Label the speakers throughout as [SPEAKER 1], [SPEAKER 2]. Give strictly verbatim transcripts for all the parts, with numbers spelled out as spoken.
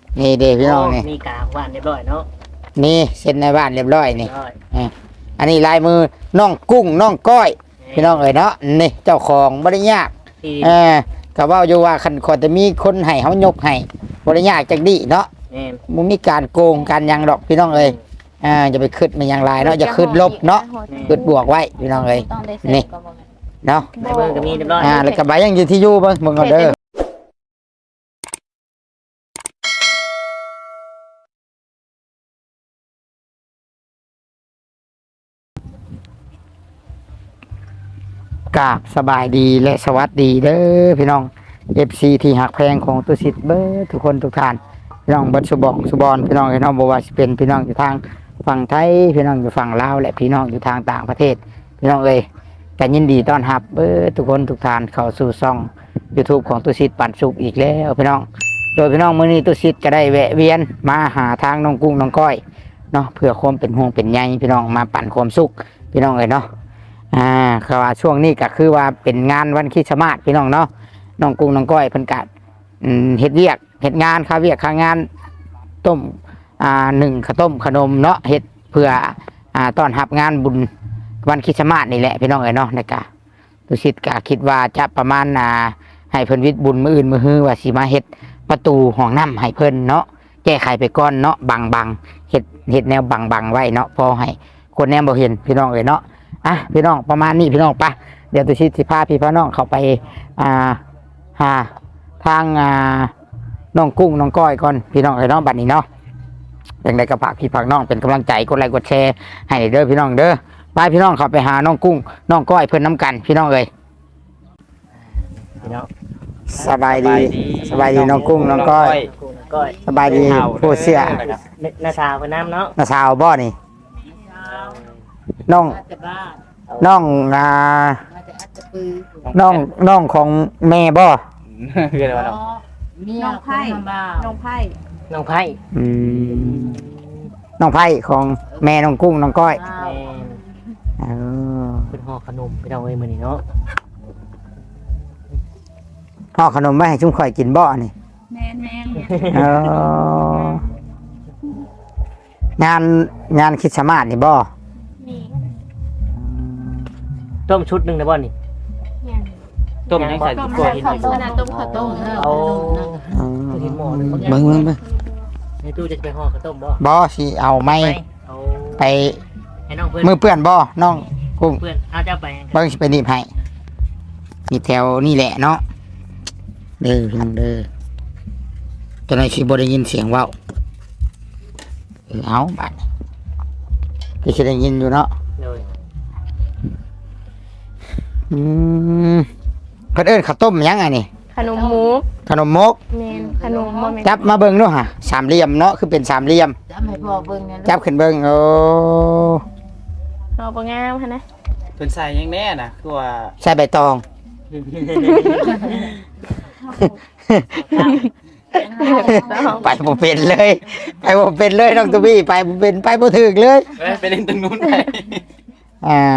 [SPEAKER 1] นี่เด้พี่น้องนี่
[SPEAKER 2] มีกากบ้านเรียบร้อยเนาะ
[SPEAKER 1] นี่เซ็นในบ้านเรียบร้อยนี่
[SPEAKER 2] เรียบร้อย
[SPEAKER 1] อ่ะอันนี้ลายมือน้องกุ้งน้องก้อย พี่น้องเอ๋ยเนาะนี่เจ้าของบ่ได้ยาก
[SPEAKER 2] ที่
[SPEAKER 1] เออก็เว้าอยู่ว่าคันขอจะมีคนให้เฮายกให้บ่ได้ยากจักดีเนาะ
[SPEAKER 2] แม่น
[SPEAKER 1] บ่มีการโกงการหยังดอกพี่น้องเอ้ยอ่าอย่าไปคิดมันหยังหลายเนาะอย่าคิดลบเนาะคิดบวกไว้พี่น้องเอ้ย
[SPEAKER 3] ต้องได้เสร็จ
[SPEAKER 1] นี่
[SPEAKER 3] ก็บ่แม่น
[SPEAKER 1] เนาะ
[SPEAKER 2] ในเมืองก็มีเรียบร้อย
[SPEAKER 1] อ่าแล้วก็ใบยังอยู่ที่อยู่เบิ่งเบิ่งเอาเด้อ กราบสบายดีและสวัสดีเด้อพี่น้อง เอฟ ซี ที่หักแพงของตุสิทธิ์เบิดทุกคนทุกท่านพี่น้องเบิดสุบองสุบอนพี่น้องพี่น้องบ่ว่าสิเป็นพี่น้องอยู่ทางฝั่งไทยพี่น้องอยู่ฝั่งลาวและพี่น้องอยู่ทางต่างประเทศพี่น้องเอ้ยก็ยินดีต้อนรับเบิดทุกคนทุกท่านเข้าสู่ช่อง YouTube ของตุสิทธิ์ปันสุขอีกแล้วพี่น้องโดยพี่น้องมื้อนี้ตุสิทธิ์ก็ได้แวะเวียนมาหาทางน้องกุ้งน้องก้อยเนาะเพื่อความเป็นห่วงเป็นใยพี่น้องมาปั่นความสุขพี่น้องเอ้ยเนาะ อ่าคือว่าช่วงนี้ก็คือว่าเป็นงานวันคริสต์มาสพี่น้องเนาะน้องกุ้งน้องก้อยเพิ่นกัดเฮ็ดเวียกเฮ็ดงานค่าเวียกค่างานต้มอ่าหนึ่งข้าวต้มขนมเนาะเฮ็ดเพื่ออ่าต้อนรับงานบุญวันคริสต์มาสนี่แหละพี่น้องเอ้ยเนาะนะครับตุสิทธิ์ก็คิดว่าจะประมาณอ่าให้เพิ่นวิทย์บุญมื้ออื่นมื้อฮื้อว่าสิมาเฮ็ดประตูห้องน้ำให้เพิ่นเนาะแก้ไขไปก่อนเนาะบังๆเฮ็ดเฮ็ดแนวบังๆไว้เนาะพอให้คนแนมบ่เห็นพี่น้องเอ้ยเนาะอ่ะพี่น้องประมาณนี้พี่น้องปะเดี๋ยวตุชิตสิพาพี่พ่อน้องเข้าไปอ่าหาทางอ่าน้องกุ้งน้องก้อยก่อนพี่น้องเอ้ยเนาะบัดนี้เนาะอย่างไรก็ฝากพี่ฝากน้องเป็นกำลังใจกดไลค์กดแชร์ให้เด้อพี่น้องเด้อไปพี่น้องเข้าไปหาน้องกุ้งน้องก้อยเพิ่นน้ำกันพี่น้องเอ้ย
[SPEAKER 2] พี่น้อง
[SPEAKER 1] สบายดีสบายดีน้องกุ้งน้องก้อย
[SPEAKER 2] กูนก้อย
[SPEAKER 1] สบายดีผู้เสีย
[SPEAKER 2] หน้าชาเพิ่นน้ำเนาะ
[SPEAKER 1] น้าสาวบ่นี่น้อง
[SPEAKER 3] อาจจะบ้า
[SPEAKER 1] น้องอ่า
[SPEAKER 3] อาจจะอาจจะปือ
[SPEAKER 1] น้องน้องของแม่บ่
[SPEAKER 4] คืออะไรวะน้อง
[SPEAKER 3] เมียน้องไผ่น้องไผ่
[SPEAKER 2] น้องไผ่
[SPEAKER 1] อืมน้องไผ่ของแม่น้องกุ้งน้องก้อย
[SPEAKER 2] แม่น
[SPEAKER 1] เออ
[SPEAKER 2] เป็นห่อขนมพี่น้องเอ้ยมื้อนี้เนาะ
[SPEAKER 1] ห่อขนมไม่ให้ชุ่มข่อยกินบ่นี่
[SPEAKER 3] แม่นแม่น
[SPEAKER 1] เอองานงานคริดสต์มาสนี่บ่
[SPEAKER 3] นี่
[SPEAKER 2] ต้มชุดหนึงได้บ่นี่
[SPEAKER 4] ต้มยังใส่
[SPEAKER 3] ต้ม
[SPEAKER 4] ตัว
[SPEAKER 3] ข้าว
[SPEAKER 4] หิน
[SPEAKER 3] ต้มนะต้มข้าวต้มเออ
[SPEAKER 2] เอา
[SPEAKER 1] อืม
[SPEAKER 2] คือที่หม้อนึง
[SPEAKER 1] เบิ่งเบิ่งเบิ่ง
[SPEAKER 2] ในตู้จะไปห่อข้าวต้มบ่
[SPEAKER 1] บ่สิเอาไม้
[SPEAKER 2] เอา
[SPEAKER 1] ไป
[SPEAKER 2] ให้น้องเพิ่น
[SPEAKER 1] มือเปื้อนบ่น้องกุ้ง
[SPEAKER 2] เพื่อนเอาเจ้าไป
[SPEAKER 1] เบิ่งสิไปหนีบให้มีแถวนี่แหละเนาะเด้อพี่น้องเด้อตอนนี้สิบ่ได้ยินเสียงเว้าเออเอาบัดก็สิได้ยินอยู่เนาะ
[SPEAKER 2] เลย
[SPEAKER 1] อืมเพิ่นเอิ้นข้าวต้มหยังไงนี่
[SPEAKER 5] ขนมมุก
[SPEAKER 1] ขนมมก
[SPEAKER 5] แมนขนมบ่แม่น
[SPEAKER 1] จับมาเบิ่งดูฮะสามเหลี่ยมเนาะคือเป็นสามเหลี่ยม
[SPEAKER 3] จะให้พ่อเบิ่งนะ
[SPEAKER 1] จับขึ้นเบิ่งโอ้
[SPEAKER 5] เอาบ่งามหั่นนะ
[SPEAKER 4] เพิ่นใส่ยังแน่น่ะคือว่า
[SPEAKER 1] ใส่ใบตอง ไปบ่เป็นเลย ไปบ่เป็นเลยน้องตุ้บี้ไปบ่เป็นไปบ่ถึกเลย
[SPEAKER 4] เอ้ยไปเล่นตรงนู้นไป
[SPEAKER 1] อ่า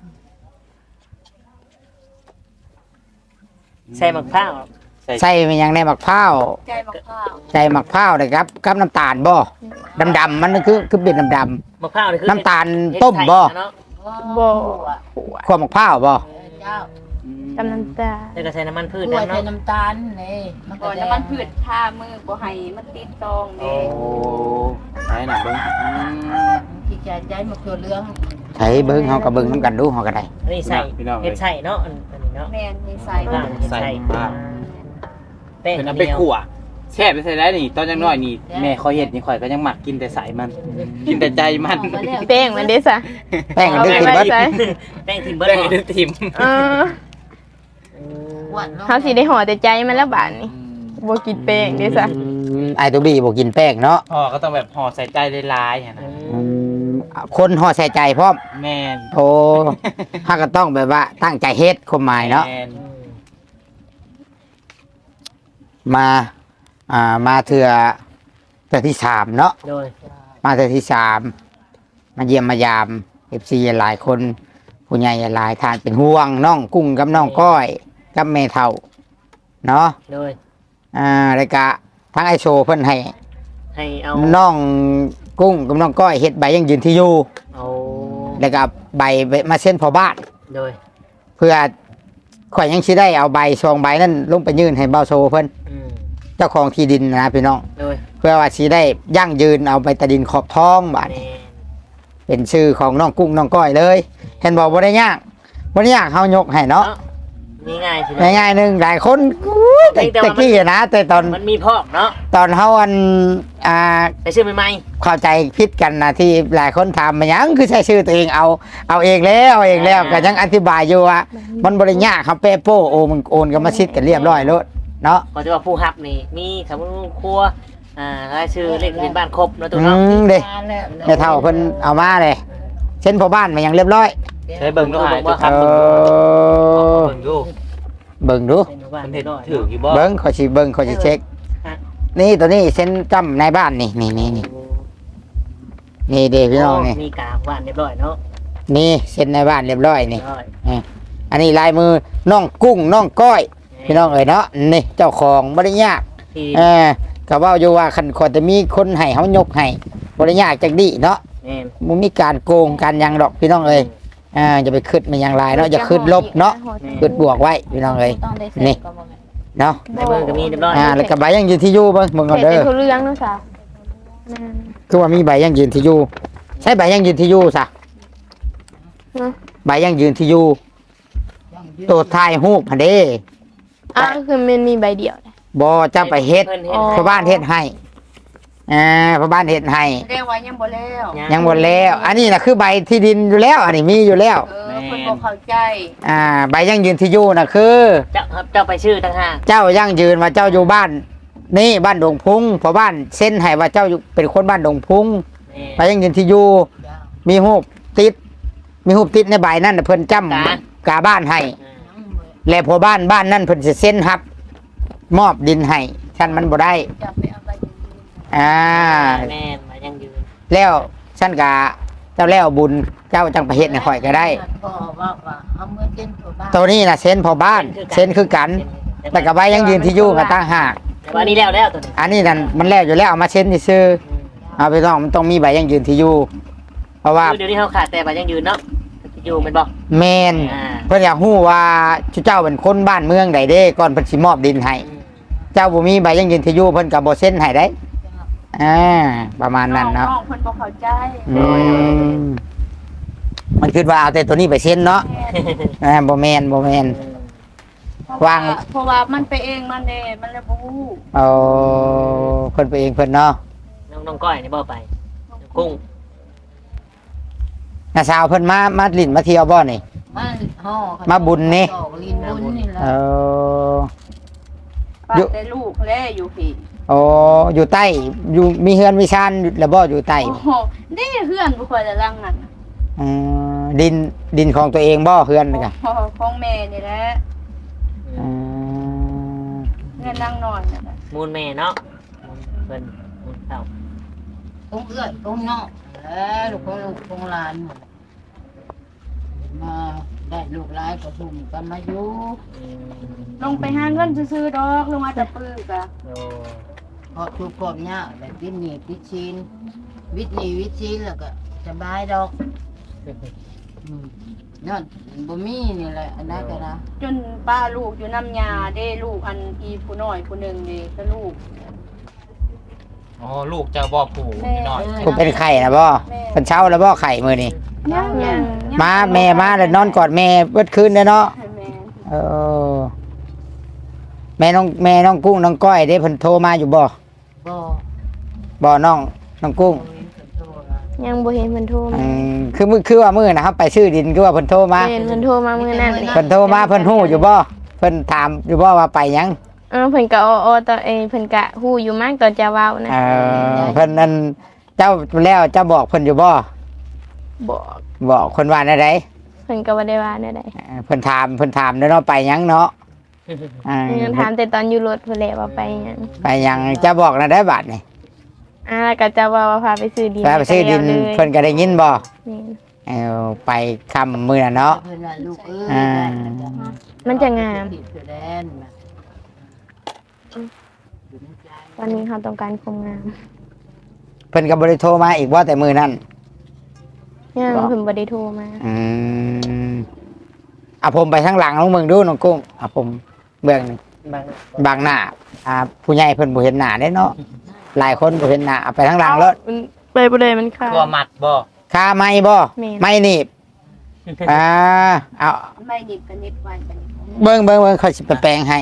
[SPEAKER 2] ใส่มะพร้าว
[SPEAKER 1] ใส่มันยังในมะพร้าว
[SPEAKER 3] ใจบักข้าว
[SPEAKER 1] ใส่มะพร้าวนะครับกับน้ำตาลบ่ดำๆมันคือคือเป็นดำ
[SPEAKER 2] มะพร้าวนี่คือ
[SPEAKER 1] ๆน้ำตาลต้มบ่
[SPEAKER 2] เนาะ
[SPEAKER 5] บ่
[SPEAKER 1] คั่วมะพร้าวบ่
[SPEAKER 3] เจ้าก
[SPEAKER 5] ำน้ำตาล
[SPEAKER 2] แล้วก็ใส่น้ำมันพืช
[SPEAKER 3] กล้วย
[SPEAKER 2] น้ำ
[SPEAKER 3] ใส่
[SPEAKER 2] เนาะ
[SPEAKER 3] น้ำตาลนี่มันก็
[SPEAKER 6] ก่อน
[SPEAKER 3] แด
[SPEAKER 6] น้ำ
[SPEAKER 3] ง
[SPEAKER 6] มันพืชทามือบ่ให้มันติดตอง
[SPEAKER 2] โอ้
[SPEAKER 6] เด้
[SPEAKER 4] โอ้ใส่หนักเบิ่งอืม
[SPEAKER 3] ที่ใจใจมะเขือเหลือง
[SPEAKER 1] ใส่เบิ่งเฮาก็เบิ่งนํกันดูเฮาก็ได้
[SPEAKER 2] อันนี้ใส่เห็ดใส่เนาะอันอันนี้เนาะ
[SPEAKER 6] แม่นมีใส่
[SPEAKER 2] อ่าเห็ดใส่แป้ง
[SPEAKER 4] เพิ่นเอา
[SPEAKER 2] เดี
[SPEAKER 4] ไป
[SPEAKER 2] ยว
[SPEAKER 4] ขั่วแช่ไปใส่ได้นี่ตอนยังน้อยนี่แม่คอยเฮ็ดนี่ข่อยก็ยังหมักกินแต่สายมัน กินแต่ใจมัน
[SPEAKER 5] แป้งมันเด้ซะ
[SPEAKER 1] แป้งดึกขึ้นเบิด
[SPEAKER 5] ใส่
[SPEAKER 2] แป้งทิมเบิร์
[SPEAKER 4] แป้ง
[SPEAKER 2] ด
[SPEAKER 4] ให้ทิม
[SPEAKER 5] เออ
[SPEAKER 3] หวาน
[SPEAKER 5] เฮาสิได้ห่อแต่ใจมันแล้วบาดนี้บ่กินแป้งเด้ซะ
[SPEAKER 1] อืมไอ้ตุ้บี้บ่กินแป้งเนาะ
[SPEAKER 4] ห่อก็ต้องแบบห่อใส่ใจหลายๆหั่นน่ะ
[SPEAKER 1] อืมคนห่อใส่ใจพร้อม
[SPEAKER 4] แม่น
[SPEAKER 1] โอ้ถ้าก็ต้องแบบว่าตั้งใจเฮ็ดความหมายเนาะ
[SPEAKER 4] แม่น
[SPEAKER 1] มา อ่า มาเถื่อเถื่อที่สามเนาะ
[SPEAKER 2] โดย
[SPEAKER 1] มาเถื่อที่สาม มาเยี่ยมมายามเอฟซีหลายคน ผู้ใหญ่หลายทานเป็นห่วงน้องกุ้งกับน้องก้อยกับแม่เท่า เนาะ
[SPEAKER 2] โดย
[SPEAKER 1] อ่าแล้วก็ทั้งไอโชว์เพิ่นให้
[SPEAKER 2] ให้เอา
[SPEAKER 1] น้องกุ้งกับน้องก้อยเฮ็ดใบยังยืนที่อยู่
[SPEAKER 2] เอา
[SPEAKER 1] แล้วก็ใบมาเส้นพอบ้าน
[SPEAKER 2] โดย
[SPEAKER 1] เพื่อข่อยยังสิได้เอาใบซองใบนั้นลงไปยื่นให้เบาโซเพิ่น
[SPEAKER 2] อืม
[SPEAKER 1] เจ้าของที่ดินนะพี่น้อง
[SPEAKER 2] โดย
[SPEAKER 1] เพื่อว่าสิได้ยั่งยืนเอาไปตะดินขอบท้องบาด
[SPEAKER 2] แม่
[SPEAKER 1] นี้เป็นชื่อของน้องกุ้งน้องก้อยเลย เห็นบอกบ่ได้ยากบ่ได้ยากเฮายกให้เนาะ
[SPEAKER 2] เนาะนี่ง่ายสิ
[SPEAKER 1] ง่ายๆหนึงหลายคนอุ๊ยแต่แต่กี้อะนะแต่ตอน
[SPEAKER 2] มันมีพอกเนาะ
[SPEAKER 1] ตอนเฮาอันอ่า
[SPEAKER 2] ไปซื้อใหม่
[SPEAKER 1] เข้าใจผิดกันนะที่หลายคนถามมาหยังคือใช้ชื่อตัวเองเอาเอาเองแล้วเอาเองแล้วก็ยังอธิบายอยู่ว่ามันบ่ได้ยากครับเปโป้โอมันโอนกันมาชิดกันเรียบร้อยแล้วเนาะ
[SPEAKER 2] ๆก็จะว่าผู้ฮับนี่มีสมุนครัวอ่ารายชื่อเลขทะเบียนบ้านครบเนาะตัว
[SPEAKER 1] อื
[SPEAKER 2] เนาะ
[SPEAKER 1] มเด้แม่เฒ่าเพิ่นเอามาเลยเช่นพ่อบ้านมายังเรียบร้อย
[SPEAKER 4] ใช้เบิ่งดูหายตัวค
[SPEAKER 1] เอ
[SPEAKER 4] รับ
[SPEAKER 1] อ
[SPEAKER 4] เบิ่งดู
[SPEAKER 1] เบิ่งดู
[SPEAKER 2] เป็นหมู่บ้าน
[SPEAKER 4] มันเห็น
[SPEAKER 2] น้อย
[SPEAKER 4] ถืออยู่บ่
[SPEAKER 1] เบิ่งขอยสิเบิ่งขอยสิเช็ค นี่ตัวนี้เส้นจำในบ้านนี่นี่นี่นี่นี่เด้พี่น้องนี่
[SPEAKER 2] มีกากบ้านเรียบร้อยเนาะ
[SPEAKER 1] นี่เส้นในบ้านเรียบร้อยนี่
[SPEAKER 2] เรียบร้อย
[SPEAKER 1] อันนี้ลายมือน้องกุ้งน้องก้อย พี่น้องเอ๋ยเนาะนี่เจ้าของบ่ได้ยาก
[SPEAKER 2] ที่
[SPEAKER 1] เออก็เว้าอยู่ว่าคันขอจะมีคนให้เฮายกให้บ่ได้ยากจักดีเนาะ
[SPEAKER 2] แม่น
[SPEAKER 1] บ่มีการโกงการหยังดอกพี่น้องเอ้ยอ่าอย่าไปคิดมันหยังหลายเนาะอย่าคิดลบเนาะคิดบวกไว้พี่น้องเอ้ย
[SPEAKER 3] ต้องได้เสร็จ
[SPEAKER 1] นี่
[SPEAKER 3] ก็บ่แม่น
[SPEAKER 1] เนาะ
[SPEAKER 2] ในเมืองก็มีเรียบร้อย
[SPEAKER 1] อ่าแล้วก็ใบยังยืนที่อยู่เบิ่งเบิ่งเอา
[SPEAKER 5] เห็น
[SPEAKER 1] เด้
[SPEAKER 5] เป็น
[SPEAKER 1] อ
[SPEAKER 5] ทุเรื่องเนาะสาวแม่น
[SPEAKER 1] คือว่ามีใบยังยืนที่อยู่ใช้ใบยังยืนที่อยู่ซะ
[SPEAKER 5] เนาะ
[SPEAKER 1] ใบยังยืนที่อยู่ตัวถ่ายรูปหั่นเด้
[SPEAKER 5] อ่ะคือมันมีใบเดียวนะ
[SPEAKER 1] บ่จะไปเฮ็ด
[SPEAKER 2] พิ่น
[SPEAKER 5] อ๋อ
[SPEAKER 1] พ่อบ้านเฮ็ดให้อ่าพ่อบ้านเฮ็ดให้
[SPEAKER 6] เรียกว่ายังบ่แล้ว
[SPEAKER 1] ยังหมดแล้ว อันนี้นะคือใบที่ดินอยู่แล้ว อันนี้มีอยู่แล้ว
[SPEAKER 6] เออเพิ่นบ่เข้าใจ
[SPEAKER 1] อ่า ใบยังยืนที่อยู่นะคือ
[SPEAKER 2] เจ้าครับเจ้าไปชื่อต่างหาก
[SPEAKER 1] เจ้ายังยืนว่าเจ้าอยู่บ้าน นี่บ้านดงพุงพอบ้านเส้นให้ว่าเจ้าอยู่เป็นคนบ้านดงพุง
[SPEAKER 2] แม่
[SPEAKER 1] ใบยังยืนที่อยู่ มีหูปติด มีหูปติดในใบนั่นน่ะเพิ่นจำกาบ้านให้ และพอบ้านบ้านนั่นเพิ่นสิเส้นครับ มอบดินให้ฉันมันบ่ได้
[SPEAKER 3] จะไปเอาไปยืน
[SPEAKER 1] อ่า
[SPEAKER 2] แม่นมายังยืน
[SPEAKER 1] แล้วฉันกะเจ้าแล้วบุญเจ้าจังไปเฮ็ดให้ข่อยก็ได้
[SPEAKER 3] พ่อว่าว่าเอามือเต้นตัวบ้าน
[SPEAKER 1] ตัวนี้นะเส้นพอบ้านเส้นคือกัน แต่กับใบยังยืนที่อยู่กันตั้งหาก
[SPEAKER 2] แต่ว่านี่แล้วแล้วตัวนี้
[SPEAKER 1] อันนี้นั่นมันแล้วอยู่แล้วเอามาเส้นที่ซื้อเอาไปต้องมันต้องมีใบยังยืนที่อยู่เพราะว่า
[SPEAKER 2] คือเดี๋ยวนี้เขาขาดแต่ว่ายังยืนเนาะอยู่แมันบอก
[SPEAKER 1] แมน
[SPEAKER 2] อ่า
[SPEAKER 1] เพิ่นอยากฮู้ว่าเจ้าเป็นคนบ้านเมืองใดเด้ก่อนเพิ่นสิมอบดินให้เจ้าบ่มีใบยังยืนที่อยู่เพิ่นก็บ่เซ็นให้ได้อ่าประมาณนั้นเนาะ
[SPEAKER 6] น้องๆเพิ่นบ่เข้าใจ
[SPEAKER 1] อืมมันคิดว่าเอาแต่ตัวนี้ไปเซ็นเนาะอ่าบ่แม่นบ่แม่น วาง
[SPEAKER 6] เพราะว่ามันไปเองมันเด้มันเลยบ่ฮู้
[SPEAKER 1] เอาเพิ่นไปเองเพิ่นเนาะ
[SPEAKER 2] น้องน้องก้อยนี่บ่ไปน้องกุ้ง
[SPEAKER 1] น้าสาวเพิ่นมามาลิ้นมาเที่ยวบ่นี่
[SPEAKER 3] มาห่อ
[SPEAKER 1] มาบุญนี่
[SPEAKER 3] ดอกลินบุญนี่แหละ
[SPEAKER 1] เออ
[SPEAKER 6] ป้า
[SPEAKER 1] อยู่
[SPEAKER 6] แต่ลูกแลอยู่พี่
[SPEAKER 1] โอ้อยู่ใต้อยู่มีเฮือนมีชานแล้วบ่อยู่ใต้
[SPEAKER 6] โอ้โหนี่เฮือนบ่ค่อยจะรังนั่น
[SPEAKER 1] อืมดินดินของตัวเองบ่เฮือนนี่กะ
[SPEAKER 6] โอ้โหของแม่นี่แหละ
[SPEAKER 1] อืม
[SPEAKER 6] เงินนางนอนนั่นแหละ
[SPEAKER 2] มูลแม่เนาะมูลเพิ่นมูลเต่า
[SPEAKER 3] ตรงเอื้อยตรงนอกแล้วลูกของลูกของหลานหมดมาได้ลูกหลายก็ทุ่มกันมาอยู่
[SPEAKER 2] อืม
[SPEAKER 6] ลงไปหาเงินซื้อๆดอกลงมาแตะปื้อกะ
[SPEAKER 2] โอ้
[SPEAKER 3] พอทุกข์พร้อมยากแบบวิทย์หนีวิทย์ชีนวิทย์หนีวิทย์ชีนแล้วก็สบายดอกอืมนั่นบ่มีนี่แหละอันนั้นก็นะ
[SPEAKER 6] จนป้าลูกอยู่น้ำยาเด้ลูกอันอีผู้น้อยผู้หนึ่งเด้ก็ลูก
[SPEAKER 4] อ๋อลูกเจ้าบ่ผู้น้อย
[SPEAKER 1] กูเป็นไข่นะบ่เพิ่นเช้าแล้วบ่ไข่มื้อนี้
[SPEAKER 6] ยังยัง
[SPEAKER 1] มาแม่มาแล้วนอนกอดแม่เบิดคืนเด้อเนาะ
[SPEAKER 6] ให้แม่
[SPEAKER 1] เออแม่น้องแม่น้องกุ้งน้องก้อยเด้เพิ่นโทรมาอยู่บ่
[SPEAKER 3] บ่
[SPEAKER 1] บ่น้องน้องกุ้ง
[SPEAKER 5] ยังบ่เห็นเพิ่นโทร
[SPEAKER 1] อื
[SPEAKER 5] มาม
[SPEAKER 1] คือมื้อคือว่ามื้อนะครับไปซื้อดินคือว่าเพิ่นโทรมา
[SPEAKER 5] เห็นเพิ่นโทรมามื้อนั้นนี่
[SPEAKER 1] เพิ่นโทรมาเพิ่นฮู้อยู่บ่เพิ่นถามอยู่บ่ว่าไปหยัง
[SPEAKER 5] เออเพิ่นก็อ้อๆตอนเอยเพิ่นก็ฮู้อยู่มากตอนจะเว้านะ
[SPEAKER 1] เออเพิ่นนั่นเจ้าแล้วเจ้าบอกเพิ่นอยู่บ่
[SPEAKER 5] บอก
[SPEAKER 1] บอกคนว่าได้ได
[SPEAKER 5] เพิ่นก็บ่ได้ว่าแนวใด
[SPEAKER 1] เออเพิ่นถามเพิ่นถามเด้อเนาะไปหยังเนาะอ่า
[SPEAKER 5] เพิ่นถามแต่ตอนอยู่รถเพิ่นแหละว่าไปหยัง
[SPEAKER 1] ไปหยังเจ้าบอกนะได้บาดนี่
[SPEAKER 5] อ่าแล้วก็จะว่าว่าพาไปซื้อดิน
[SPEAKER 1] แล้วไปซื้อดิน
[SPEAKER 5] ก็แล้ว
[SPEAKER 1] เพิ่นก็ได้ยินบ่
[SPEAKER 5] นี่
[SPEAKER 1] เอาไปคำมื้อน่ะเนาะ
[SPEAKER 3] เพิ่นว่าลูกเอ้ย
[SPEAKER 1] อ่า
[SPEAKER 5] มันจะงาม
[SPEAKER 3] ติดอยู่แดนมา
[SPEAKER 5] ตอนนี้เขาต้องการความงาม
[SPEAKER 1] เพิ่นก็บ่ได้โทรมาอีกว่าแต่มื้อนั้น
[SPEAKER 5] ยังเพิ่นบ่ได้โทรมา
[SPEAKER 1] อืมเอาผมไปทางหลังลงเมืองดูน้องกุ้งเอาผมเบื้องนี่
[SPEAKER 2] บาง
[SPEAKER 1] บางหน้าอ่าผู้ใหญ่เพิ่นบ่เห็นหน้าเด้เนาะหลายคนบ่เห็นหน้าเอาไปทางหลังแล้ว
[SPEAKER 5] มันไปบ่ได้มันขาด
[SPEAKER 4] ตัวหมัดบ่
[SPEAKER 1] คาไม้บ่
[SPEAKER 5] แม่น
[SPEAKER 1] ไม้หนีบอ่าเอา
[SPEAKER 6] ไม่ดิบกันนิดไว้กันนิด
[SPEAKER 1] เบิ่งเบิ่งเบิ่งเขาสิไปแปลงให้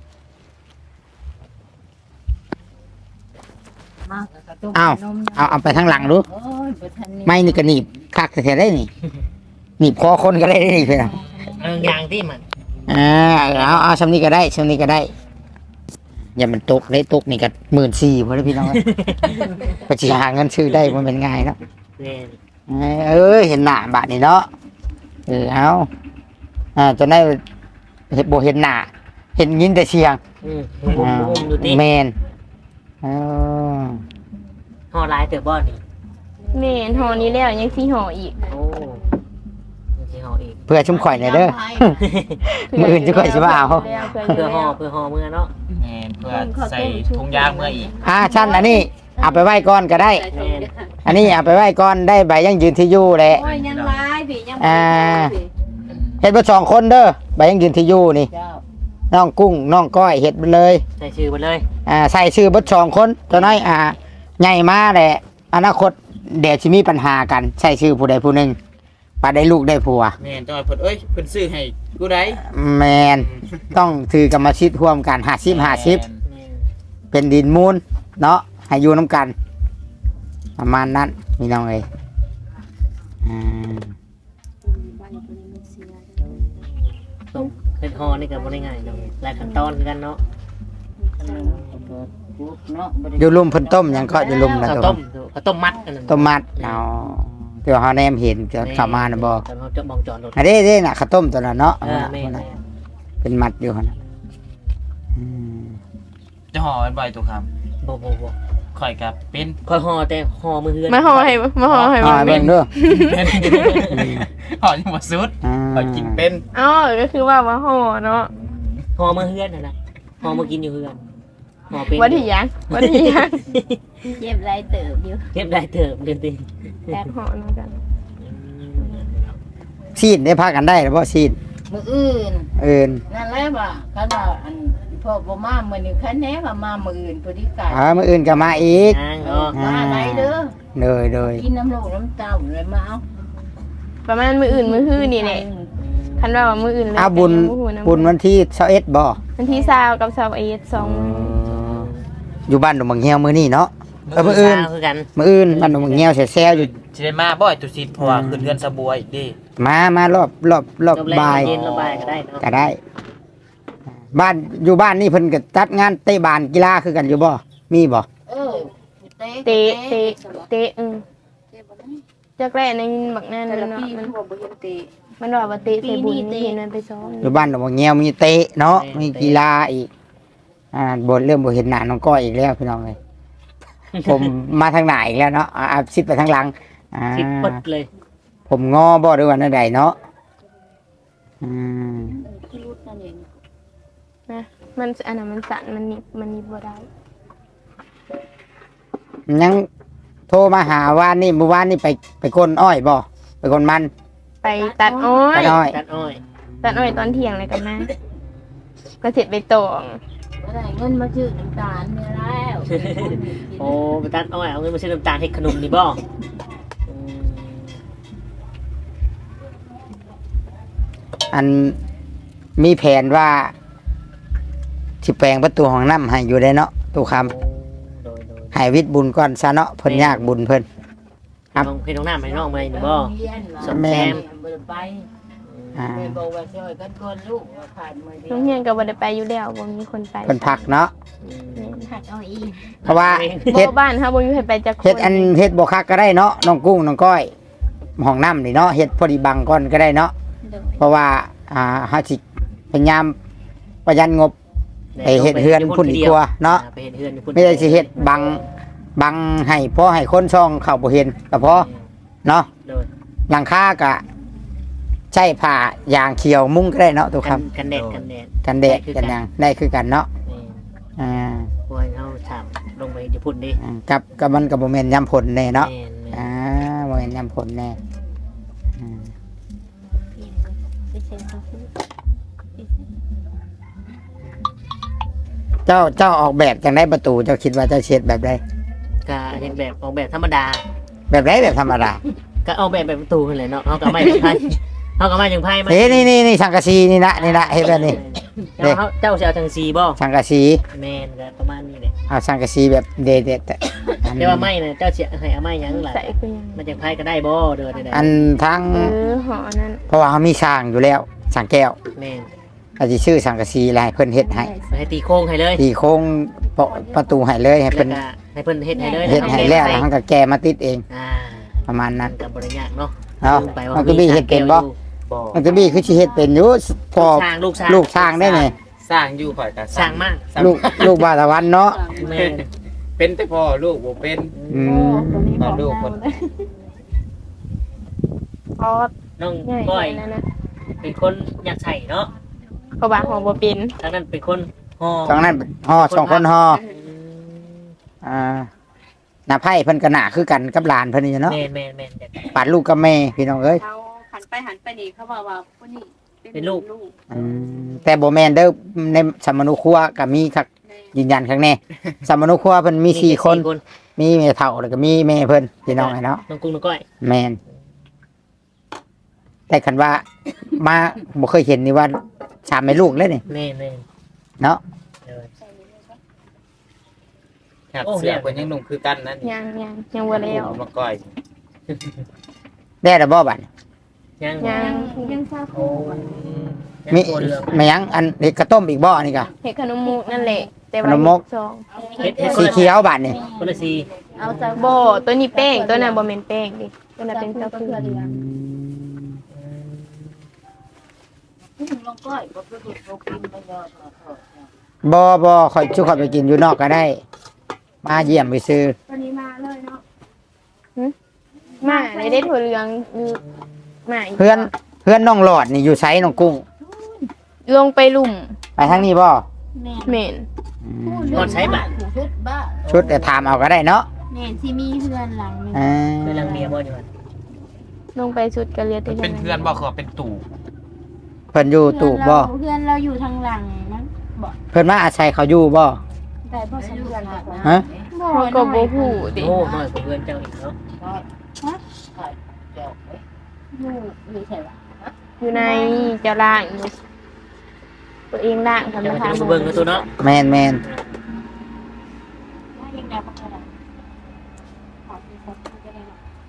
[SPEAKER 3] มากกระตุก
[SPEAKER 1] เอา
[SPEAKER 3] นม
[SPEAKER 1] เอาเอาไปทางหลังดู
[SPEAKER 3] โอ้ยบ่ทันนี่
[SPEAKER 1] ไม้นี่ก็หนีบคักแท้ๆได้นี่หนีบคอคนก็ได้นี่เพิ่นน่ะ
[SPEAKER 2] เอออย่างที่มัน
[SPEAKER 1] อ่าเอาเอาซำนี้ก็ได้ซำนี้ก็ได้อย่ามันตกได้ตกนี่ก็หมื่นสี่บ่ได้พี่น้อง ก็สิหาเงินซื้อได้มันเป็นง่ายเนาะ
[SPEAKER 2] แม่น
[SPEAKER 1] เอ้ยเห็นหน้าบาดนี่เนาะเออเอาอ่าจนได้เห็นบ่เห็นหน้าเห็นยินแต่เสียง
[SPEAKER 2] อืมมุมมุมดูติ
[SPEAKER 1] แมนเออ
[SPEAKER 2] ห่อลายเต๋อบ่นี่
[SPEAKER 5] แม่นห่อนี้แล้วยังสิห่ออีก
[SPEAKER 2] โอ้ยังสิห่ออีก
[SPEAKER 1] เพื่อชุ่มข่อยหน่อยเด้อ มื้ออื่นจะค่อยสิมาเอา
[SPEAKER 5] เพื่อ
[SPEAKER 2] เพื่อห่อเพื่อห่อมือเนาะ
[SPEAKER 4] แม่นเพื่อใส่ถุงยางเมื่ออีก
[SPEAKER 1] อ่าชั้นอันนี้เอาไปไหว้ก่อนก็ได้
[SPEAKER 6] ใส่ชมกัน
[SPEAKER 1] อันนี้เอาไปไหว้ก่อนได้ใบยังยืนที่อยู่แหละ
[SPEAKER 6] โอ้ยยังร้ายพี่ยัง
[SPEAKER 1] อ่า
[SPEAKER 6] พี่
[SPEAKER 1] เฮ็ดเบ่สองคนเด้อใบยังยืนที่อยู่นี่
[SPEAKER 3] เจ้า
[SPEAKER 1] น้องกุ้งน้องก้อยเฮ็ดไปเลย
[SPEAKER 2] ใส่ชื่อไปเลย
[SPEAKER 1] อ่าใส่ชื่อเบ่สองคนตัวน้อยอ่าใหญ่มาแหละอนาคตเดี๋ยวสิมีปัญหากันใส่ชื่อผู้ใดผู้หนึงปาได้ลูกได้ผัว
[SPEAKER 4] แม่นจังหวะเพิ่นเอ้ยเพิ่นซื้อให้กูได้
[SPEAKER 1] แมนต้องถือกรรมสิทธิ์ร่วมกันห้าสิบห้าสิบ
[SPEAKER 2] แม่น
[SPEAKER 1] เป็นดินมูลเนาะให้อยู่น้ำกัน ประมาณนั้นมีน้องเอ้ยอ่า
[SPEAKER 2] ต้องเป็นห่อนี่ก็บ่ได้ง่ายเนาะหลายขั้นตอนคือกันเนาะ
[SPEAKER 3] ปุ๊บเนาะบ่ได้
[SPEAKER 1] อยู่ลุมเพิ่นต้มหยังก็อยู่ลุมนะ
[SPEAKER 2] ข้าว
[SPEAKER 1] ตัว
[SPEAKER 2] ต้มข้าวต้มมัดอันนั้น
[SPEAKER 1] ต้มมัดเอาเดี๋ยวเฮาแนมเห็นจะเข้ามานะบ่
[SPEAKER 2] ตอนเขาจะมองจอดรถ
[SPEAKER 1] อันนี้เด้น่ะข้าวต้มตัวนั้นเนาะ
[SPEAKER 2] เออแม่น
[SPEAKER 1] เป็นมัดอยู่หั่นน่ะอืม
[SPEAKER 4] จะห่อไว้บ่อยตัวค
[SPEAKER 2] บ่บ่บ่
[SPEAKER 4] ำข่อยกับเป็น
[SPEAKER 2] ค่อยห่อแต่ห่อมือเฮือน
[SPEAKER 5] มาห่อให้มาห่อให้
[SPEAKER 1] อ่า
[SPEAKER 5] มัน
[SPEAKER 1] เบิ่งเด้อ
[SPEAKER 4] เป็นห่อยังบ่สุด
[SPEAKER 1] อ่า
[SPEAKER 4] ข่อยกินเป็น
[SPEAKER 5] อ๋อก็คือว่ามาห่อเนาะ
[SPEAKER 2] ห่อมือเฮือนนั่นน่ะห่อมือกินอยู่เฮือนห่อเป็น
[SPEAKER 5] วันที่ยังวันที่ยัง
[SPEAKER 6] เย็บไรเติบอยู่
[SPEAKER 2] เก็บได้เถิบเดือนติ
[SPEAKER 5] แอบห่อเหมือนกัน
[SPEAKER 1] ซีดได้พากันได้หรือบ่ซีด
[SPEAKER 3] มื้ออื่น
[SPEAKER 1] เอิ้น
[SPEAKER 3] นั่นแหละว่าคันว่าอันพ่อบ่มามื้อนี้คันแหน่ว่ามามื้ออื่นพอดีกัน
[SPEAKER 1] อ่ามื้ออื่นก็มาอีก
[SPEAKER 2] นางเนาะ
[SPEAKER 3] มาไหนเด้อ
[SPEAKER 1] เลยเลย
[SPEAKER 3] กินน้ำลูกน้ำเต้าเลยมาเอา
[SPEAKER 5] ประมาณมืออื่นมือฮื้อนี่แหละคันว่าว่ามืออื่นเลย
[SPEAKER 1] อาบุญ
[SPEAKER 5] ก็ยังบ่ฮู้นะ
[SPEAKER 1] บุญวันที่ยี่สิบเอ็ดบ่
[SPEAKER 5] วันที่สาวกับสาวเอสสองมื้อ
[SPEAKER 1] อยู่บ้านดงบางเฮียวมื้อนี้เนาะเออมื้ออื่น
[SPEAKER 2] เช้าคือกัน
[SPEAKER 1] มื้ออื่นบ้านดงบางเฮียวแซ่ๆอยู่
[SPEAKER 4] สิได้มาบ่อยตุสิเพราะว่าขึ้นเรือนสะบัวอีกเดิ
[SPEAKER 1] มามารอบรอบรอบ
[SPEAKER 2] จบแรก
[SPEAKER 1] บ่าย
[SPEAKER 2] เย็นระบายก็ได้เนาะ
[SPEAKER 1] ก็ได้ บ้านอยู่บ้านนี่เพิ่นก็จัดงานเตะบานกีฬาคือกันอยู่บ่มีบ่
[SPEAKER 3] เออเตะ
[SPEAKER 5] เตะเตะเตะอืม
[SPEAKER 6] เตะบ่ได้
[SPEAKER 5] จักแรกในบักนั่น
[SPEAKER 6] แต่ละ
[SPEAKER 5] เนาะ
[SPEAKER 6] ปี
[SPEAKER 5] มั
[SPEAKER 6] มัน นบ่บ่เห็นเตะ
[SPEAKER 5] มันว่าว่าเตะใส่บุญ
[SPEAKER 6] ปีนี้เตะ
[SPEAKER 5] นี่เห็นมันไปซ้อม
[SPEAKER 1] อยู่บ้านดงบางเฮียวมีเตะเนาะมีกีฬาอีกอ่าบ่เริ่มบ่เห็นหน้าน้องก้อยอีกแล้วพี่น้องเอ้ยผมมาทางหน้าอีกแล้วเนาะอ่าอ่าซิดไปทางหลังอ่า
[SPEAKER 2] สิบปดเลย
[SPEAKER 1] ผมงอบ่ด้วยวันใดเนาะอืม
[SPEAKER 6] คือรุดนั่นเอง
[SPEAKER 5] นะมันอันนั้นมันสั่นมันหนิบมันหนิบบ่ได้
[SPEAKER 1] ยังโทรมาหาว่านนี่เมื่อวานนี่ไปไปกลนอ้อยบ่ไปกลนมัน
[SPEAKER 5] ไปตัดอ้อ
[SPEAKER 1] ตั
[SPEAKER 5] ย
[SPEAKER 1] ดอ้อย
[SPEAKER 2] ตัดอ้อย
[SPEAKER 5] ตัดอ้อยตอนเที่ยงเลยกันนะก็เสร็จไปตอง
[SPEAKER 3] บ่ได้เงินมาซื้อน้ำตาลเนี่ยแล้ว
[SPEAKER 2] โอ้ไปตัดอ้อยเอาเงินมาซื้อน้ำตาลให้ขนมนี่บ่อืม
[SPEAKER 1] อันมีแผนว่าสิแปลงประตูห้องน้ำให้อยู่ได้เนาะตู้ค
[SPEAKER 2] โอ้โดยโดย
[SPEAKER 1] ำให้วิทย์บุญก่อนซะเนาะเพิ่นยากบุญเพิ่น ครับ
[SPEAKER 2] น้องพี่น้องหน้าไม่น้องมานี่บ่
[SPEAKER 3] เรียนเหรอ
[SPEAKER 2] สมแซม
[SPEAKER 3] บ่ได้ไป
[SPEAKER 1] อ่า
[SPEAKER 3] แม่บอกว่าช่วยกันคนลูกว่าขาดมื้อเดียว
[SPEAKER 5] น้องเฮียนก็บ่ได้ไปอยู่แล้วบ่มีคนไป
[SPEAKER 1] เพิ่นพักเนาะ
[SPEAKER 2] อืม
[SPEAKER 3] หัดเอาอีก
[SPEAKER 1] เพราะว่า
[SPEAKER 5] บ่
[SPEAKER 1] เฮ็ด
[SPEAKER 5] บ้านเฮาบ่มีใครไปจักคน
[SPEAKER 1] เฮ็ดอันเฮ็ดบ่คักก็ได้เนาะน้องกุ้งน้องก้อยห้องน้ำนี่เนาะเฮ็ดพอดีบังก่อนก็ได้เนาะเพราะว่าอ่าเฮาสิพยายามประหยัดงบ ไปเฮ็ดเฮือนพุ่นดีกว่าเนาะ
[SPEAKER 2] ไปเฮ็ดเฮือนอยู่พุ่น
[SPEAKER 1] ไม่ได้สิเฮ็ดบังบังให้พอให้คนช่องเข้าบ่เห็นก็พอเนาะ
[SPEAKER 2] โดย
[SPEAKER 1] หลังคาก็ใช้ผ้ายางเขียวมุ้งก็ได้เนาะทุกค
[SPEAKER 2] กันกันแดดกันแดด
[SPEAKER 1] ำกันแดดกันหยังได้คือกันเนาะ
[SPEAKER 2] นี่
[SPEAKER 1] อ่า
[SPEAKER 2] พวกเฮาถามลงไปอยู่พุ่นดิ
[SPEAKER 1] อืมกับกับมันกับโมเมนต์ยำผลแน่เนาะ
[SPEAKER 2] แม่นแม่น
[SPEAKER 1] อ่าโมเมนต์ยำผลแน่อืมเจ้าเจ้าออกแบบจังได้ประตูเจ้าคิดว่าเจ้าเช็ดแบบใด
[SPEAKER 2] ก็เห็นแบบออกแบบธรรมดา
[SPEAKER 1] แบบไรแบบธรรมดา
[SPEAKER 2] ก็ออกแบบแบบประตูนั่นแหละเนาะเฮาก็ไม่ไพ่เฮาก็มาจังไพ่มา
[SPEAKER 1] เฮ้ยนี่นี่นี่สังกะสีนี่นะนี่นะเห็นแบบนี้
[SPEAKER 2] เจ้าเฮาเจ้าสิเอาจังซีบ่
[SPEAKER 1] สังกะสี
[SPEAKER 2] แม่นก็ประมาณนี้แหละ
[SPEAKER 1] เอาสังกะสีแบบเด็ดเด็ดแต่อัน
[SPEAKER 2] แต่ว่าไม้น่ะเจ้าสิให้เอาไม้หยังล่ะ
[SPEAKER 5] ใส่คือยัง
[SPEAKER 2] มันจังไพ่ก็ได้บ่เด้อได้
[SPEAKER 1] อันทั้ง
[SPEAKER 5] เออหอนั้น
[SPEAKER 1] เพราะว่าเขามีสร้างอยู่แล้วสร้างแก้ว
[SPEAKER 2] แม่น
[SPEAKER 1] อาจจะชื่อสังกะสีอะไรเพิ่นเฮ็ดให้
[SPEAKER 2] ให้ตีโค้งให้เลย
[SPEAKER 1] ตีโค้งปะประตูให้เลยให้
[SPEAKER 2] แล้ว
[SPEAKER 1] เพิ่น
[SPEAKER 2] ก็ให้เพิ่นเฮ็ดให้เลย
[SPEAKER 1] เฮ็ดให้แล้วแล้วเขาก็แก้มาติดเอง
[SPEAKER 2] อ่า
[SPEAKER 1] ประมาณ
[SPEAKER 2] นั่
[SPEAKER 1] นั้น น
[SPEAKER 2] ก็บ่ได้ยากเนาะ
[SPEAKER 1] เนาะ
[SPEAKER 2] ลืมไปว่า
[SPEAKER 1] มันก็มีเฮ็ดเป็นบ่
[SPEAKER 4] บ่
[SPEAKER 1] มันก็มีคือสิเฮ็ดเป็นอยู่พอ
[SPEAKER 2] ลูกช้างลูกช้าง
[SPEAKER 1] ลูกสร้างได้ไง
[SPEAKER 4] สร้างอยู่ข่อยก็
[SPEAKER 2] สร้างมาก
[SPEAKER 1] ลูกลูกบาตะวันเนาะ
[SPEAKER 2] แม่น
[SPEAKER 4] เป็นแต่พ่อลูกบ่เป็น
[SPEAKER 1] อืม
[SPEAKER 4] มาลูกคน
[SPEAKER 5] อ๋อ
[SPEAKER 2] น้อง
[SPEAKER 5] ใหญ่
[SPEAKER 2] ก้อย
[SPEAKER 5] นั่นนะ
[SPEAKER 2] เป็นคนอยากใส่เนาะ
[SPEAKER 5] เขาบาหอบ่เป็น
[SPEAKER 2] ทางนั้นเป็นคนห่อ
[SPEAKER 1] สองนั้นห่อสองคนห่ออ่าหน้าไผ่เพิ่นก็หน้าคือกันกับหลานเพิ่นนี่เนาะ
[SPEAKER 2] แม่นแม่นแม่นอยาก
[SPEAKER 1] ปาดลูกกับแม่พี่น้องเอ้ย
[SPEAKER 6] เขาหันไปหันไปนี่เขาบอกว่าผู้นี้
[SPEAKER 2] เป็นลูก
[SPEAKER 1] อืมแต่บ่แม่นเด้อในสมนุครัวก็มีคัก
[SPEAKER 6] แม่
[SPEAKER 1] ยืนยันครั้งแน่สมนุครัวเพิ่นมีสี่คน
[SPEAKER 2] คน
[SPEAKER 1] มีแม่เฒ่าแล้วก็มีแม่เพิ่นพี่น้องไอ้เนาะ
[SPEAKER 2] น้องกุ้งน้องก้อย
[SPEAKER 1] แม่นแต่คันว่ามาบ่เคยเห็นนี่ว่าสามแม่ลูกเลยนี่
[SPEAKER 2] แม่นแม่น
[SPEAKER 1] เนาะ
[SPEAKER 2] เออ
[SPEAKER 4] ครับ
[SPEAKER 2] โอ้
[SPEAKER 4] เสือเพิ่นยังหนุ่มคือกันนั่น
[SPEAKER 5] ยังยังยังบ่แล้ว
[SPEAKER 4] มาก้อย
[SPEAKER 1] ได้แล้วบ่บัด
[SPEAKER 2] ยัง
[SPEAKER 5] ยัง
[SPEAKER 6] ยังทราบ
[SPEAKER 2] โอ้ยัง
[SPEAKER 1] มี
[SPEAKER 2] ตัวเรือง
[SPEAKER 1] แม่ยังอันเด็กกระต้มอีกบ่อันนี่ก็
[SPEAKER 5] เห็ดขนมมุกนั่นแหละ แต่
[SPEAKER 1] ข
[SPEAKER 5] ว่าน
[SPEAKER 1] มมุก
[SPEAKER 5] สอง
[SPEAKER 2] เฮ็ดเฮ็ด
[SPEAKER 1] สีเขียวบัดนี่
[SPEAKER 2] คนละสี
[SPEAKER 6] เอาซะ
[SPEAKER 5] บ่ตัวนี้แป้งตัวนั้นบ่แม่นแป้งดิตัวนั้นเป็นเต้าหู้
[SPEAKER 6] ลองก้อยบ่คือบ่กินบ่ยอด
[SPEAKER 1] บ่บ่ค่อยชุข่อยไปกินอยู่นอกก็ได้ มาเยี่ยมไปซื้อ
[SPEAKER 6] วันนี้มาเลยเนาะ
[SPEAKER 5] มาได้ได้ถั่วเหลืองอยู่มาอีก
[SPEAKER 1] เพื่อนเพื่อนน้องหลอดนี่อยู่ไสน้องกุ้ง
[SPEAKER 5] ลงไปลุ่ม
[SPEAKER 1] ไปทางนี้บ่
[SPEAKER 6] แม่
[SPEAKER 5] เหม็น
[SPEAKER 1] อืม
[SPEAKER 2] ก่อนใช้บัตร
[SPEAKER 6] ชุดบ้า
[SPEAKER 1] ชุดแต่ถามเอาก็ได้เนาะ
[SPEAKER 6] แม่ที่มีเฮือนหลังนึง
[SPEAKER 1] อ่า
[SPEAKER 2] เคยลังเมียบ่อยู่หั่น
[SPEAKER 5] ลงไปสุดกระเลียด
[SPEAKER 4] มันเป็นเพื่อนบ่คือว่าเป็นตู่
[SPEAKER 1] เพิ่นอยู่ตูบบ่
[SPEAKER 6] เพื่อนเราอยู่ทางหลังนั้น
[SPEAKER 1] เพิ่นมาอาศัยเขาอยู่บ่
[SPEAKER 6] ได้บ่สำเพื่อนนะ
[SPEAKER 1] ฮะ
[SPEAKER 5] เขาก็บ่ฮู้ดิ
[SPEAKER 2] โอ้น้อยกว่าเพื่อนเจ้าอีกเนาะ
[SPEAKER 6] อยู่อยู่ใช่ปะ
[SPEAKER 5] อยู่ในเจ้าล่างอยู่ตัวเองล่างทำ
[SPEAKER 2] เดี๋ยว
[SPEAKER 5] มา
[SPEAKER 2] มัน
[SPEAKER 5] ทา
[SPEAKER 2] จะมาเบิ่งกันตัวเนาะ
[SPEAKER 1] แม่นแม่น
[SPEAKER 6] ยังได้บ่ได้ขอที่สักก็ได้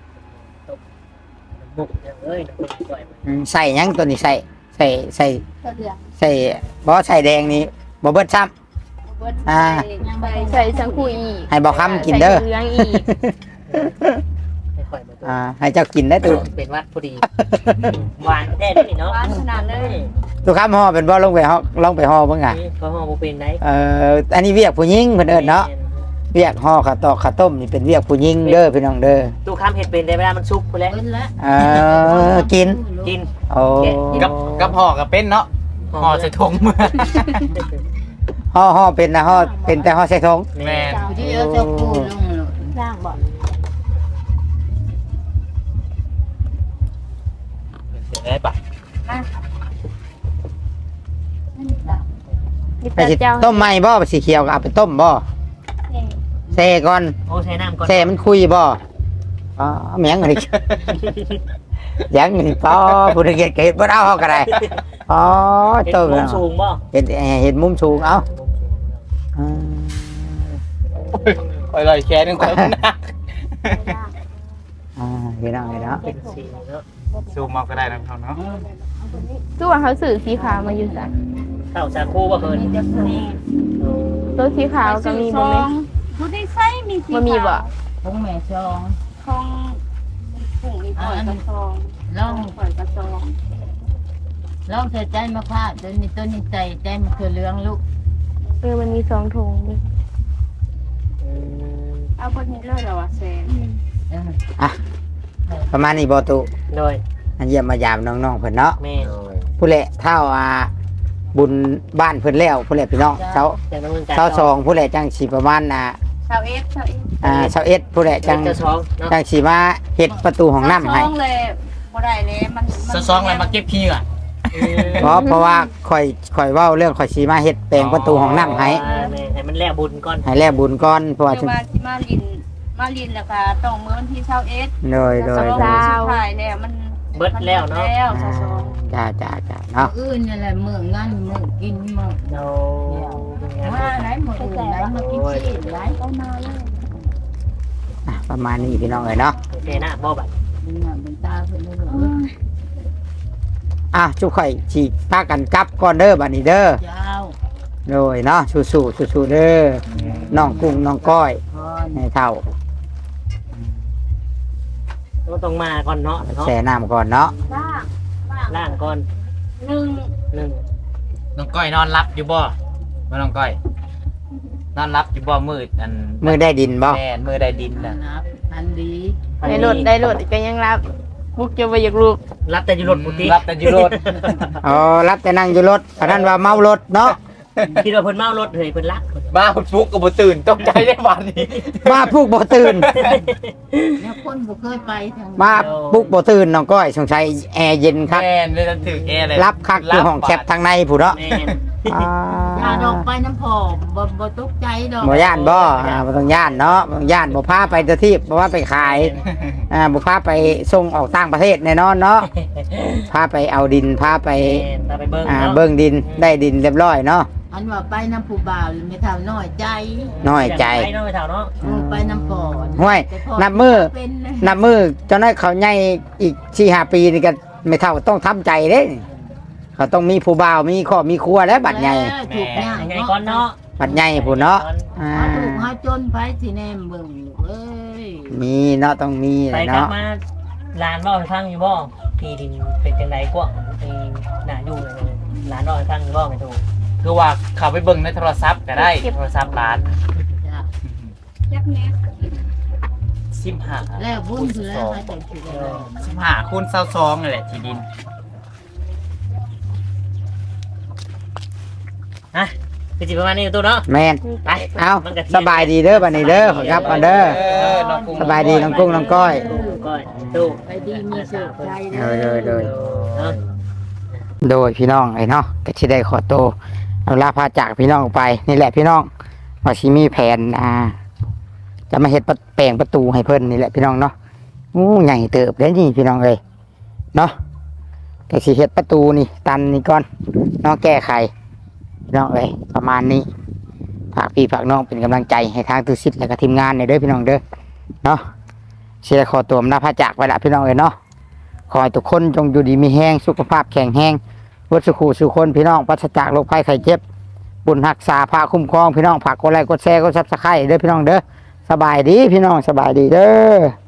[SPEAKER 2] บุกอย่างเอ้ยน้องกุ้งน้องก้อยมัน
[SPEAKER 1] อืมใส่หยังตัวนี้ใส่ใส่ใส่
[SPEAKER 6] ก็เดือด
[SPEAKER 1] ใส่บ่ใส่แดงนี่บ่เบิดซ้ำ อ่า
[SPEAKER 6] ยังไป
[SPEAKER 5] ใส่สังคุยอีก
[SPEAKER 1] ให้บ่ค้ำกินเด้อ
[SPEAKER 5] ใส่เหลืองอีก
[SPEAKER 2] ให้ข่อยมาตัว
[SPEAKER 1] อ่าให้เจ้ากินได้อตัว
[SPEAKER 2] เป็นวัดพอดี หวานแท้เด้อนี่เนาะ
[SPEAKER 6] หวานขนาดเลย
[SPEAKER 1] ตัวค้ำห่อเป็นบ่ลงไปห่อลงไปห่อเบิ่งอ่ะ
[SPEAKER 2] นี่เขาห่อบ่เป็นได้
[SPEAKER 1] เอ่ออันนี้เวียกผู้หญิงเพิ่นเอิ้นเนาะเวียกห่อข้าวตอกข้าวต้มนี่เป็นเวียกผู้หญิงเด้อพี่น้องเด้อ
[SPEAKER 2] ตู้ค้ำเห็ดเป็นได้เวลามันสุกไปแล้ว
[SPEAKER 6] เบิ้ลละ
[SPEAKER 1] เออกิน
[SPEAKER 2] กิน
[SPEAKER 1] โอ้
[SPEAKER 4] กับกับห่อกับเป็นเนาะห่อใส่ถุงมือ
[SPEAKER 1] ห่อห่อเป็นนะห่อเป็นแต่ห่อใส่ถุง
[SPEAKER 4] แม่น
[SPEAKER 6] ที่เอาเจ้าปูลงเลย
[SPEAKER 5] ล่างบ่
[SPEAKER 4] เสียได้ปะ
[SPEAKER 5] มี
[SPEAKER 1] ไป
[SPEAKER 5] แต่
[SPEAKER 1] สิ
[SPEAKER 5] เจ้า
[SPEAKER 1] ต้มใหม่บ่สีเขียวก็เอาไปต้มบ่แซ่ก่อน
[SPEAKER 2] โอ้ใช้น้ำก่อน
[SPEAKER 1] แซ่มันคุยบ่อ๋อแม่งอันนี้ ยังนี่ป้อผู้ใดเฮ็ดก็เฮ็ดบ่เอาเฮาก็ได้อ๋อ
[SPEAKER 2] เห็ด
[SPEAKER 1] ต้ม
[SPEAKER 2] มุมสูงบ่
[SPEAKER 1] เฮ็ดเฮ็ดมุมสูงเอาอ่า
[SPEAKER 4] คอยลอยแค่นึงคอยมันหนัก
[SPEAKER 1] อ่าพี่น้องเห็นเนาะ
[SPEAKER 2] เป็นสีเนาะ
[SPEAKER 4] ซูมเอาก็ได้นะพี่น้องเนาะ
[SPEAKER 5] คือว่าเขาสื่อสีขาวมาอยู่จ้ะ
[SPEAKER 2] ข้าวสาคูบ่เพิ่น
[SPEAKER 6] มีแต่ผู้นี้
[SPEAKER 5] ตัวสีขาวก็มีบ่แม่
[SPEAKER 6] ผู้ที่ใส่มีสี
[SPEAKER 5] บ่มีบ่
[SPEAKER 3] พงแม่ซอง
[SPEAKER 6] ทองผงมีปล่อยกระซอง
[SPEAKER 3] ลอง
[SPEAKER 6] ปล่อยกระซอง
[SPEAKER 3] ลองใส่ใจมะพร้าวตัวนี้ตัวนี้ใส่ใจมะเขือเหลืองลูก
[SPEAKER 5] เออมันมีสองถุงดิ
[SPEAKER 6] เอาคนนี้เลยเหรอวะแซน
[SPEAKER 3] เออ
[SPEAKER 1] อ่ะประมาณนี้บ่ตุ
[SPEAKER 2] โดย
[SPEAKER 1] อันเยี่ยมมายามน้องๆเพิ่นเนาะ
[SPEAKER 2] แม่
[SPEAKER 1] ผู้แหละเท่าอ่าบุญบ้านเพิ่นแล้วผู้แหละพี่น้องเช้า
[SPEAKER 2] จากดำเนินการ
[SPEAKER 1] เช้าสองผู้แหละจังสิประมาณน่ะ
[SPEAKER 6] าวเอฟชาวเอฟ
[SPEAKER 1] อ่าชาวเอ็ดผู้ใดจัง
[SPEAKER 2] เจ้าช้องเนาะ
[SPEAKER 1] จังสิมาเฮ็ดประตูห้องน้ำให้
[SPEAKER 6] ซองเลยบ่ได้เลยมัน
[SPEAKER 4] ซะซองอะไรมาเก็บขี้ก่อน
[SPEAKER 1] เพราะเพราะว่าข่อยข่อยเว้าเรื่องข่อยสิมาเฮ็ดแปลงประตูห้องน้ำให้
[SPEAKER 2] อ่าแม่ให้มันแล้วบุญก่อน
[SPEAKER 1] ให้แลบุญก่อนเพราะว่า
[SPEAKER 6] เดี๋ยวมาสิมาลินมาลินแล้วก็ต้องมื้อวันที่ชาวเอฟ
[SPEAKER 1] โดยโดย
[SPEAKER 6] ส
[SPEAKER 1] โดย
[SPEAKER 6] ถ่ายแล้วมัน
[SPEAKER 2] เบิดแล้วเนาะ
[SPEAKER 6] แล้วซะซอง
[SPEAKER 1] จ้าจ้าจ้าเนาะ
[SPEAKER 3] อื่นนี่แหละเมืองนั่นเมืองกินเมือง
[SPEAKER 2] เรา
[SPEAKER 3] ว่าไหนเมืองอื่นไหนมากินชีสไหน
[SPEAKER 6] เอามาเลย
[SPEAKER 1] อ่ะประมาณนี้พี่น้องเอ้ยเนาะ
[SPEAKER 2] เทหน้าบ่บัด
[SPEAKER 3] ดึงหน้าดึงตาเพิ่นเลยเออ
[SPEAKER 1] อ่ะจุกข่อยสิพากันกลับก่อนเด้อบัดนี้เด้อ
[SPEAKER 3] เจ้า
[SPEAKER 1] โดยเนาะสู้ๆสู้ๆเด้อน้องกุ้งน้องก้อย
[SPEAKER 3] พร
[SPEAKER 1] ให้เท่า
[SPEAKER 2] ก็ต้องมาก่อนเนาะเนาะ
[SPEAKER 1] แช่น้ำก่อนเนาะ
[SPEAKER 6] บ้างบ้าง
[SPEAKER 2] ล่างก่อน
[SPEAKER 6] หนึ่ง
[SPEAKER 2] หนึ่ง
[SPEAKER 4] น้องก้อยนอนรับอยู่บ่บ่น้องก้อย นอนรับอยู่บ่มืดอัน
[SPEAKER 1] มือได้ดินบ่
[SPEAKER 4] แม่นมือได้ดินน่ะ
[SPEAKER 3] นับอันดี
[SPEAKER 5] ได้รถได้รถก็ยังรับมุกจะไปอยากลูก
[SPEAKER 2] รับแต่อยู่รถบุตรี
[SPEAKER 4] รับแต่อยู่รถ
[SPEAKER 1] อ๋อรับแต่นั่งอยู่รถเพราะนั้นว่าเมารถเนาะ
[SPEAKER 2] คิดว่าเพิ่นเมารถเฮ้ยเพิ่นรัก
[SPEAKER 4] บ้าฟุกก็บ่ตื่นตกใจได้บาดนี้
[SPEAKER 1] มาปลุกบ่ตื่น
[SPEAKER 3] เนี่ยคนบ่เคยไปทาง
[SPEAKER 1] มาปลุกบ่ตื่นน้องก้อยสงสัยแอร์เย็นคัก
[SPEAKER 4] แม่นเลยถึงแอร์เลย
[SPEAKER 1] รับคักอยู่ห้องแคบทางในผู้เนาะ
[SPEAKER 2] แม่น
[SPEAKER 1] อ่า
[SPEAKER 3] ย่าดอกไปน้ำผอมบ่บ่ตกใจดอก
[SPEAKER 1] บ่ย่านบ่อ่าบ่ต้องย่านเนาะบ่ต้องย่านบ่พาไปเที่ยวที่บ่ว่าไปขายอ่าบ่พาไปส่งออกต่างประเทศแน่นอนเนาะพาไปเอาดินพาไป
[SPEAKER 2] แม่นตาไปเบิ่ง
[SPEAKER 1] อ่า
[SPEAKER 2] เนาะ
[SPEAKER 1] เบิ่งดินได้ดินเรียบร้อยเนาะ
[SPEAKER 3] อันว่าไปน้ำผู้บ่าวไม่เท่าน้อยใจ
[SPEAKER 1] น้อยใจ
[SPEAKER 2] ไปเนาะไปเฒ่าเนาะ
[SPEAKER 3] เออไปน้ำผอม
[SPEAKER 1] ห้วย
[SPEAKER 3] แต่พ
[SPEAKER 1] นับมือ
[SPEAKER 3] เป็นนะ
[SPEAKER 1] นับมือเจ้าน้อยเขาใหญ่อีกสี่ห้าปีนี่ก็ไม่เท่าต้องทำใจเด้เขาต้องมีผู้บ่าวมีครอบมีครัวแล้วบัดใหญ่
[SPEAKER 3] เออถูกยาก
[SPEAKER 2] ยังไง
[SPEAKER 3] เนาะ
[SPEAKER 2] ก่อนเนาะ
[SPEAKER 1] บัดใหญ่ผู้เนาะอ่า
[SPEAKER 3] หาถูกหาจนไปสิแนมเบิ่งเอ้ย
[SPEAKER 1] มีเนาะต้องมี
[SPEAKER 2] ไป
[SPEAKER 1] แหละ
[SPEAKER 2] กลับ
[SPEAKER 1] เนาะ
[SPEAKER 2] มาลานบ่ให้ฟังอยู่บ่ที่ดินเป็นจังไดกว่าที่น่าอยู่เลยลานบ่ให้ฟังอยู่บ่ไม่ถูก
[SPEAKER 4] คือว่าเขาไปเบิ่งในโทรศัพท์ก็ได้โทรศัพท์ร้าน
[SPEAKER 3] จ้ะ
[SPEAKER 6] ยักแม่
[SPEAKER 4] สิบห้า
[SPEAKER 3] แล้วบุญคือแล้วหาจังสิได้เลย
[SPEAKER 4] สิบห้าคูณเศร้าซองนี่แหละที่ดิน
[SPEAKER 2] ฮะคือสิประมาณนี้อยู่ตัวเนาะ
[SPEAKER 1] แม่น
[SPEAKER 2] ไป
[SPEAKER 1] เอา
[SPEAKER 2] มันก็เที่
[SPEAKER 1] ส
[SPEAKER 2] ง
[SPEAKER 1] บายดีเด้อบัดนี้เด้อขอครับก่อนเด้อ
[SPEAKER 4] น้องกุ้ง
[SPEAKER 1] สบายดีน้องกุ้งน้องก้อย
[SPEAKER 2] ก้อยตู้
[SPEAKER 3] ไปดีมีสุขใจ
[SPEAKER 1] เออเด้อเด้อ
[SPEAKER 2] เนาะ
[SPEAKER 1] โดยพี่น้องไอ้เนาะก็สิได้ขอโตวเอาลาพาจากพี่น้องออกไปนี่แหละพี่น้องว่าสิมีแผนอ่า จะมาเฮ็ดประแปลงประตูให้เพิ่นนี่แหละพี่น้องเนาะอู้ใหญ่เติบเด้นี่พี่น้องเอ้ยเนาะก็สิเฮ็ดประตูนี่ตันนี่ก่อนเนาะแก้ไขพี่น้องเอ้ยประมาณนี้ฝากพี่ฝากน้องเป็นกำลังใจให้ทางตุสิทธิ์และก็ทีมงานในเด้อพี่น้องเด้อเนาะสิได้ขอตัวลาพาจากไปละพี่น้องเอ้ยเนาะขอให้ทุกคนจงอยู่ดีมีแห้งสุขภาพแข็งแรงวัสุขูสุคนพี่น้องปราศจากโรคภัยไข้เจ็บบุญรักษาพาคุ้มครองพี่น้องฝากกดไลค์กดแชร์กดซับสไครต์เด้อพี่น้องเด้อสบายดีพี่น้องสบายดีเด้อ